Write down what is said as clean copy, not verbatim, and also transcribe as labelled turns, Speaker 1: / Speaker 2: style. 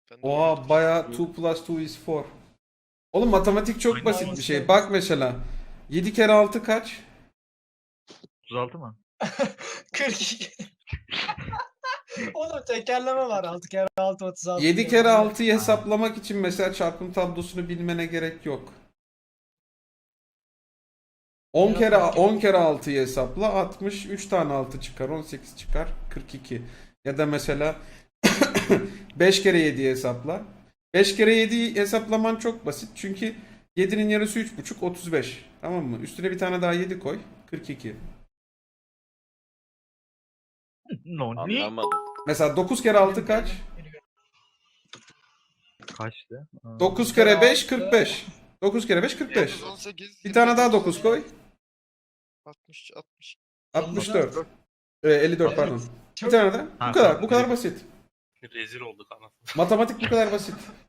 Speaker 1: Ben de
Speaker 2: Oha
Speaker 1: öyle
Speaker 2: baya 2 plus 2 is 4. Oğlum matematik çok
Speaker 3: Aynen.
Speaker 2: basit bir şey. Bak mesela 7 kere 6 kaç?
Speaker 3: 36 mı?
Speaker 4: 42. Oğlum tekerleme var. 6 kere 6 36.
Speaker 2: 7
Speaker 4: diye.
Speaker 2: kere
Speaker 4: Manyak.
Speaker 2: 6'yı hesaplamak için mesela çarpım tablosunu bilmene gerek yok. 10 kere 6'yı hesapla 60, 3 tane 6 çıkar, 18 çıkar, 42. Ya da mesela 5 kere 7'yi hesapla. 5 kere 7'yi hesaplaman çok basit çünkü 7'nin yarısı 3,5 35. Tamam mı? Üstüne bir tane daha 7 koy. 42.
Speaker 3: No, ne?
Speaker 1: Anlamadım.
Speaker 2: Mesela 9 kere 6 kaç?
Speaker 3: Kaçtı?
Speaker 2: 9 kere 5 45. 9 kere 5 45.
Speaker 1: 18,
Speaker 2: Bir tane daha 9 koy.
Speaker 1: 60, 60.
Speaker 2: 64. 54 pardon. Bir
Speaker 4: Çok-
Speaker 2: tane daha. Bu
Speaker 3: Ha,
Speaker 2: kadar.
Speaker 3: tamam.
Speaker 2: Bu kadar basit.
Speaker 5: Rezil olduk anasını.
Speaker 2: Matematik bu kadar basit.